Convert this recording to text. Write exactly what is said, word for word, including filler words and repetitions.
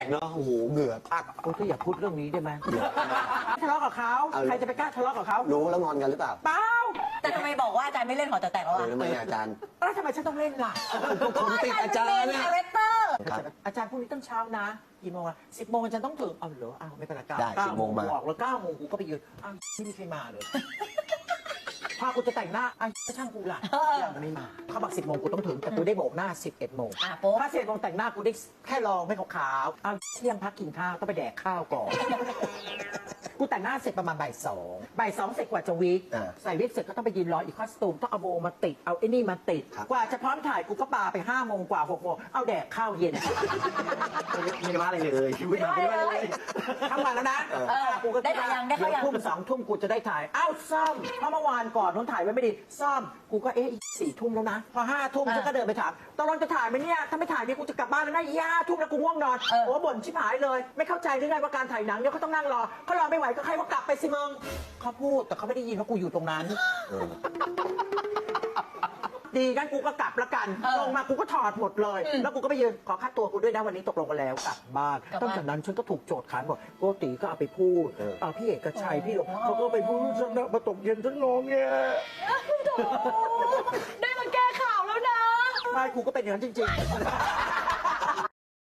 เนาะโอ้โหเหงื่อพักโอ้ยอย่าพูดเรื่องนี้ได้ไหมทะเลาะกับเขาใครจะไปกล้าทะเลาะกับเขารู้แล้วงอนกันหรือเปล่าเปล่าแต่ทำไมบอกว่าอาจารย์ไม่เล่นหอแต๋วแตกแล้วเอออ่ะทำไมอาจารย์แล้วทำไมฉันต้องเล่นล่ะผมติดอาจารย์เป็นเนี่ยคาแรคเตอร์ครับอาจารย์พรุ่งนี้ตั้งเช้านะกี่โมงอะสิบโมงอาจารย์ต้องถึงเอาเหรออ้าวไม่เป็นไรเก้าได้เก้าสิบโมงมากูออกแล้วเก้าโมงกูก็ไปยืนอ้าวไม่มีใครมาเลยพากูจะแต่งหน้าอ้าวช่างกูล่ะยังไม่มาเขาบอกสิบโมงกูต้องถึงแต่กูได้โบกหน้าสิบเอ็ดโมงอ่ะโป๊ะถ้าสิบเอ็ดโมงแต่งหน้ากูได้แค่ลองไม่ขาวๆอ้าวเที่ยงพักกินข้าวต้องไปแดกข้าวก่อน กูแต่งหน้าเสร็จประมาณบ่ายสองบ่ายสองเสร็จกว่าจะวิกอ่าใส่วิกเสร็จก็ต้องไปยืนรออีกคอสตูมต้องเอาโบมาติดเอาไอ้นี่มาติดครับกว่าจะพร้อมถ่ายกูก็ปาไปห้าโมงกว่าหกโมงเอาแดกข้าวเย็นไม่ได้ว่าอะไรเลยไม่ได้ว่าอะไรเลยทั้งวันแล้วนะเออเออกูก็ได้ถ่ายยังได้เข้ายังทุ่มสองทุ่มกูจะได้ถ่ายอ้าวซ่อมเพราะเมื่อวานก่อนนู้นถ่ายไว้ไม่ดีซ่อมกูก็เอ๊ะอีกสี่ทุ่มแล้วนะพอห้าทุ่มฉันก็เดินไปถามตอนนจะถ่ายไหมเนี่ยถ้าไม่ถ่ายเนี่ยกูจะกลับบ้านแล้วนะอีห้าทุ่มแล้วกูง่วงนอนเออโอ้บ่นชิบหายเลย ไม่เข้าใจหรือไงว่าการถ่ายหนังเนี่ยเขาต้องนั่งรอเขารอไม่ไหวก็ใครว่ากลับไปสิมึงเขาพูดแต่เขาไม่ได้ยินว่ากูอยู่ตรงนั้นเออดีงั้นกูก็กลับละกันเออลงมากูก็ถอดหมดเลยอืมแล้วกูก็ไปยืนขอค่าตัวกูด้วยนะวันนี้ตกลงกันแล้วกลับบ้านกลับบ้านตั้งแต่นั้นฉันก็ถูกโจทย์ขานบอกโกติก็เอาไปพูดเออเอาพี่เอกชัยอ๋อพี่หลงเขาก็ไปพูดฉันนะมาตกเย็นฉันร้องเนี่ยได้มาแก้ข่าวแล้วนะไม่กูก็เป็นอย่างนั้นจริงๆ